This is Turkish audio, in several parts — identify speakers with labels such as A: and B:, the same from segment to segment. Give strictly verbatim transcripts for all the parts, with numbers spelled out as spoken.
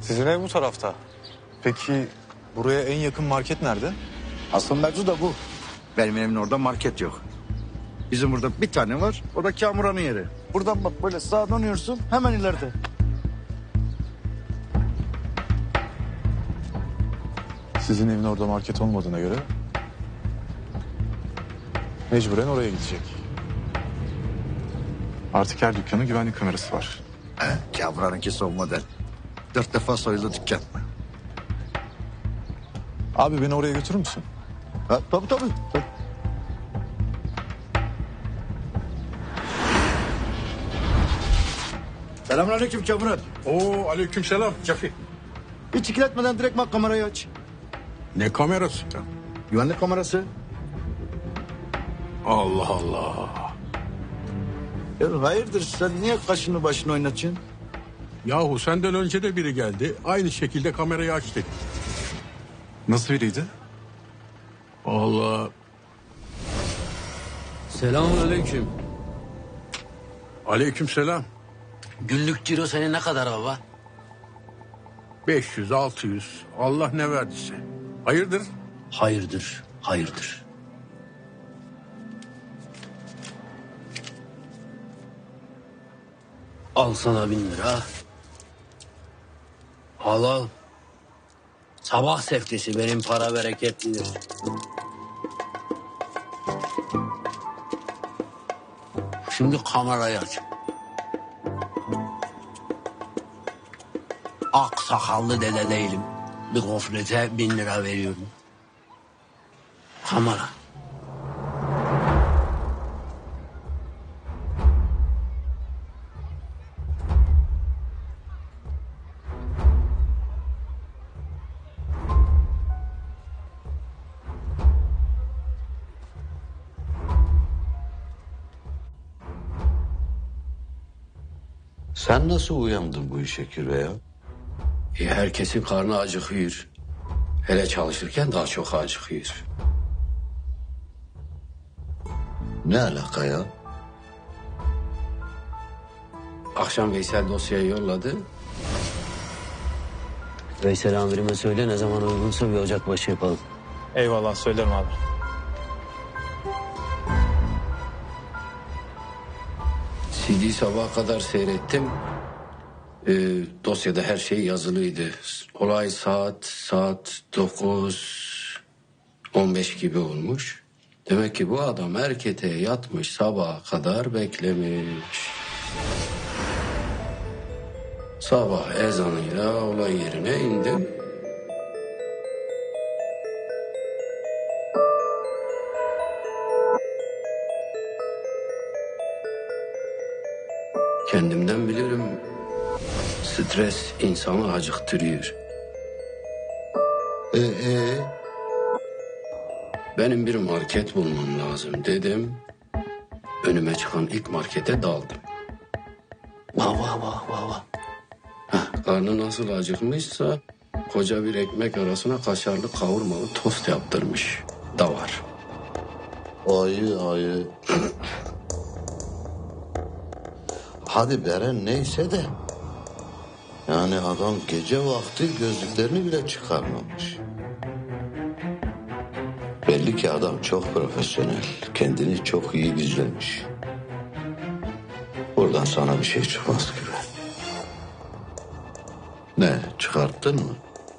A: Sizin ev bu tarafta. Peki buraya en yakın market nerede?
B: Asıl mevzu da bu. Benim evimin orada market yok. Bizim burada bir tane var. O da Kamuran'ın yeri. Buradan bak böyle sağa dönüyorsun hemen ileride.
A: Sizin evin orada market olmadığına göre mecburen oraya gidecek. Artık her dükkanın güvenlik kamerası var.
B: He, Kamuran'ınki son model. Dört defa soyuldu dükkan.
A: Abi beni oraya götürür müsün?
B: Ha, tabii tabii. tabii. Selamünaleyküm Kamuran.
C: Oo, aleykümselam Cafi.
B: Hiç ikiletmeden direkt bak kamerayı aç.
C: Ne kamerası ya?
B: Güvenlik kamerası.
C: Allah Allah.
B: Ya hayırdır sen niye kaşını başını oynatıyorsun?
C: Yahu senden önce de biri geldi. Aynı şekilde kamerayı aç dedi.
A: Nasıl biriydi?
C: Allah.
D: Selamünaleyküm.
C: Aleykümselam.
D: Günlük ciro senin ne kadar baba?
C: beş yüz altı yüz. Allah ne verdiyse. Hayırdır?
D: Hayırdır, hayırdır. Al sana bin lira. Al al. Sabah seftesi benim para bereketlidir. Şimdi kamerayı aç. Ak sakallı dede değilim. Bir gofrete bin lira veriyorum. Kamera.
E: Sen nasıl uyandın bu işe Kirve ya?
D: E, herkesin karnı acıkıyor. Hele çalışırken daha çok acıkıyor.
E: Ne alaka ya?
D: Akşam Veysel dosyayı yolladı. Veysel amirime söyle ne zaman uygunsa bir ocakbaşı yapalım.
A: Eyvallah söylerim abi.
D: C D'yi sabaha kadar seyrettim. Ee, dosyada her şey yazılıydı. Olay saat saat dokuz on beş gibi olmuş. Demek ki bu adam erkete yatmış, sabaha kadar beklemiş. Sabah ezanıyla olay yerine indim. Kendimden bilirim. Stres insanı acıktırıyor.
E: Ee, ee?
D: Benim bir market bulmam lazım dedim. Önüme çıkan ilk markete daldım. Vah vah vah vah vah. Heh, karnı nasıl acıkmışsa koca bir ekmek arasına kaşarlı kavurmalı tost yaptırmış da var.
E: Ayı ayı. Hadi Beren neyse de. Yani adam gece vakti gözlüklerini bile çıkarmamış. Belli ki adam çok profesyonel. Kendini çok iyi gizlemiş. Buradan sana bir şey çıkmaz gibi. Ne çıkarttın mı?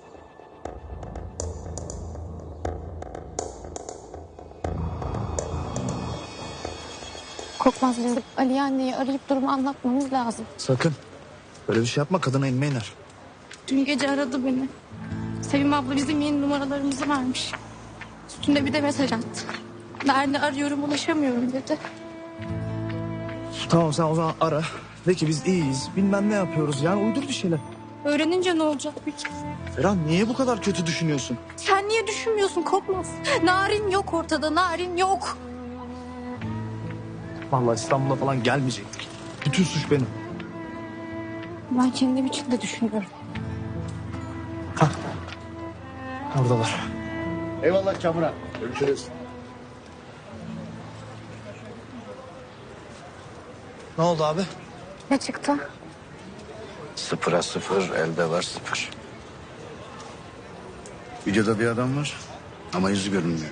F: Korkmaz bizim Ali anneyi arayıp durumu anlatmamız lazım.
B: Sakın. Böyle bir şey yapma kadına inme iner.
F: Dün gece aradı beni. Sevim abla bizim yeni numaralarımızı vermiş. Üstünde bir de mesaj attı. Nerede arıyorum ulaşamıyorum dedi.
G: Tamam sen o zaman ara. De ki biz iyiyiz. Bilmem ne yapıyoruz. Yani uydur bir şeyler.
F: Öğrenince ne olacak peki?
G: Ferhan niye bu kadar kötü düşünüyorsun?
F: Sen niye düşünmüyorsun Korkmaz? Narin yok ortada, Narin yok.
G: Vallahi İstanbul'a falan gelmeyecektik. Bütün suç benim.
F: Ben kendim için de düşünüyorum.
G: Hah. Oradalar.
B: Eyvallah Kamuran. Görüşürüz.
G: Ne oldu abi?
F: Ne çıktı?
E: Sıfıra sıfır, elde var sıfır.
B: Videoda bir adam var ama yüzü görünmüyor.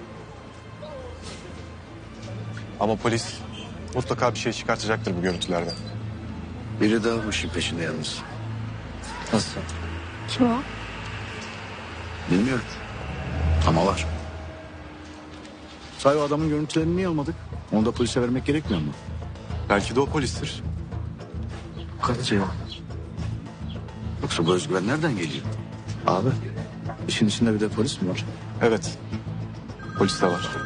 A: Ama polis mutlaka bir şey çıkartacaktır bu görüntülerden.
B: Biri daha bu işin peşinde yalnız.
G: Nasıl?
F: Kim o?
B: Bilmiyorum. Ama var. Say o adamın görüntülerini niye almadık? Onu da polise vermek gerekmiyor mu?
A: Belki de o polistir.
B: Kalıcı ya. Yoksa bu özgüven nereden geliyor? Abi işin içinde bir de polis mi var?
A: Evet. Polis de var.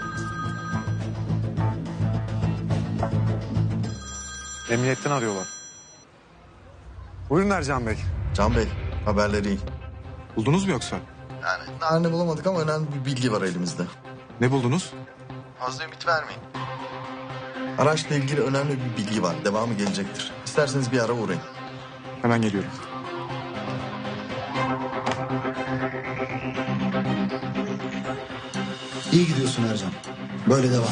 A: Emniyetten arıyorlar. Buyurun Ercan Bey.
H: Can Bey, haberleri iyi.
A: Buldunuz mu yoksa?
H: Yani halini bulamadık ama önemli bir bilgi var elimizde.
A: Ne buldunuz?
H: Fazla ümit vermeyin. Araçla ilgili önemli bir bilgi var. Devamı gelecektir. İsterseniz bir ara uğrayın.
A: Hemen geliyorum.
G: İyi gidiyorsun Ercan. Böyle devam.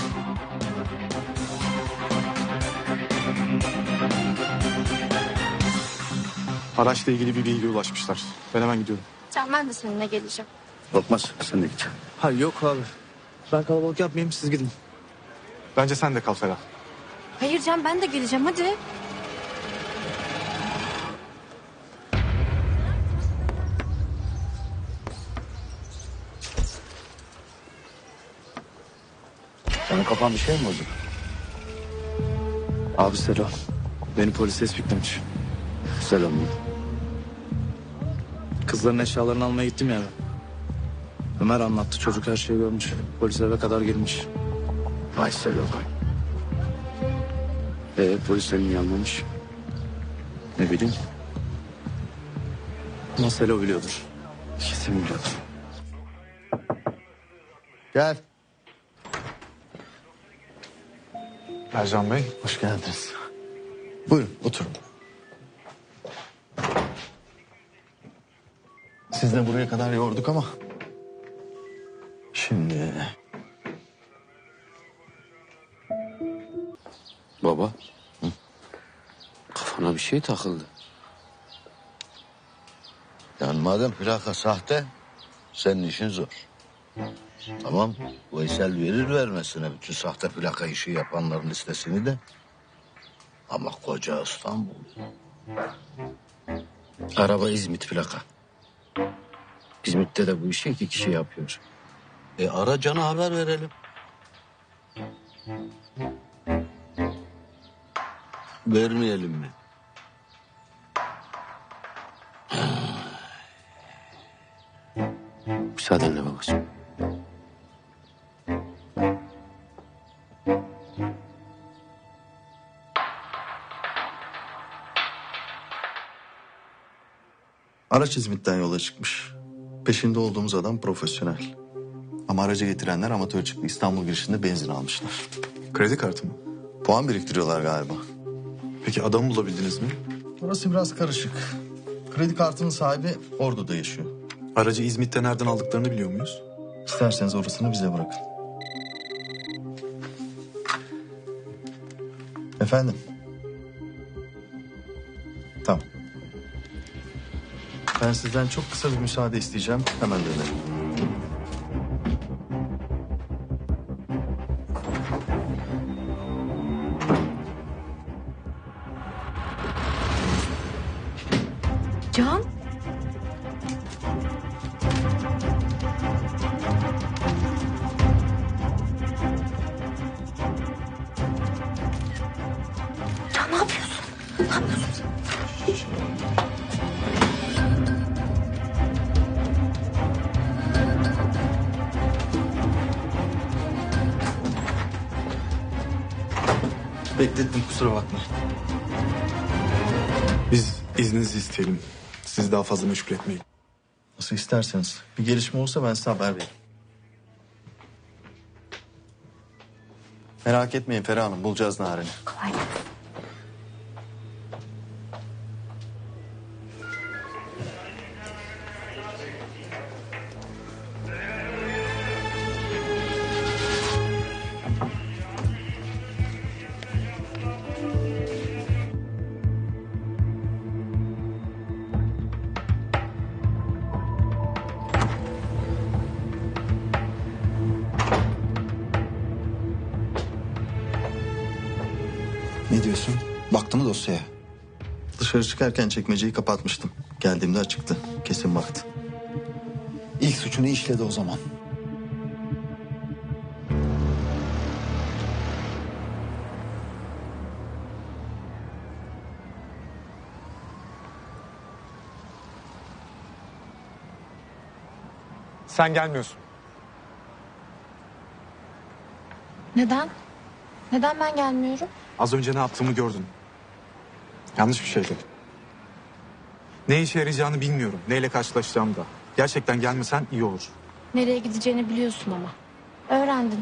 A: Araçla ilgili bir bilgi ulaşmışlar. Ben hemen gidiyorum.
F: Can ben de seninle geleceğim.
B: Korkmaz sen de git.
G: Ha yok abi. Ben kalabalık yapmayayım, siz gidin.
A: Bence sen de kal Ferah.
F: Hayır Can ben de geleceğim hadi.
B: Senin kafan bir şey mi bozuk?
G: Abi selam. Beni polis tespitlemiş.
B: Selam.
G: Kızların eşyalarını almaya gittim ya ben. Ömer anlattı, çocuk her şeyi görmüş. Polis eve kadar girmiş.
B: Vay selam. Ee, polis seni niye almamış?
G: Ne bileyim. Ama Selo biliyordur.
B: Kesin biliyordur.
H: Gel.
A: Ercan Bey.
H: Hoş geldiniz. Buyurun, oturun. Siz de buraya kadar yorduk ama... Şimdi...
D: Baba. Kafana bir şey takıldı.
E: Yani madem plaka sahte, senin işin zor. Tamam, Veysel verir vermesine bütün sahte plaka işi yapanların listesini de. Ama koca İstanbul.
D: Araba İzmit plaka. İzmit'te de bu işi iki kişi yapıyor.
E: E ara Can'a haber verelim. Vermeyelim mi?
D: Müsaadenle babacığım.
H: Araç İzmit'ten yola çıkmış. Peşinde olduğumuz adam profesyonel. Ama aracı getirenler amatör çıktı. İstanbul girişinde benzin almışlar.
A: Kredi kartı mı?
H: Puan biriktiriyorlar galiba.
A: Peki adamı bulabildiniz mi?
H: Orası biraz karışık. Kredi kartının sahibi Ordu'da yaşıyor.
A: Aracı İzmit'te nereden aldıklarını biliyor muyuz?
H: İsterseniz orasını bize bırakın. Efendim? Tamam. Ben sizden çok kısa bir müsaade isteyeceğim. Hemen dönerim.
F: Can? Can ne yapıyorsun? Ne yapıyorsun?
H: Beklettim, kusura bakma.
A: Biz izninizi isteyelim. Sizi daha fazla meşgul etmeyin.
H: Nasıl isterseniz. Bir gelişme olursa ben size haber veririm. Merak etmeyin Ferah Hanım, bulacağız Naren'i.
F: Kolay gelsin.
I: diyorsun? Baktı mı dosyaya?
H: Dışarı çıkarken çekmeceyi kapatmıştım. Geldiğimde açıktı. Kesin baktı.
I: İlk suçunu işledi o zaman.
A: Sen gelmiyorsun.
F: Neden? Neden ben gelmiyorum?
A: Az önce ne yaptığımı gördün. Yanlış bir şeydi. Ne işe yarayacağını bilmiyorum. Neyle karşılaşacağımı da. Gerçekten gelmesen iyi olur.
F: Nereye gideceğini biliyorsun ama. Öğrendin.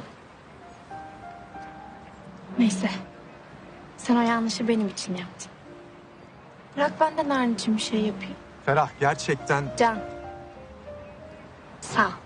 F: Neyse. Sen o yanlışı benim için yaptın. Bırak ben de Narin için bir şey yapayım.
A: Ferah gerçekten...
F: Can. Sağ ol.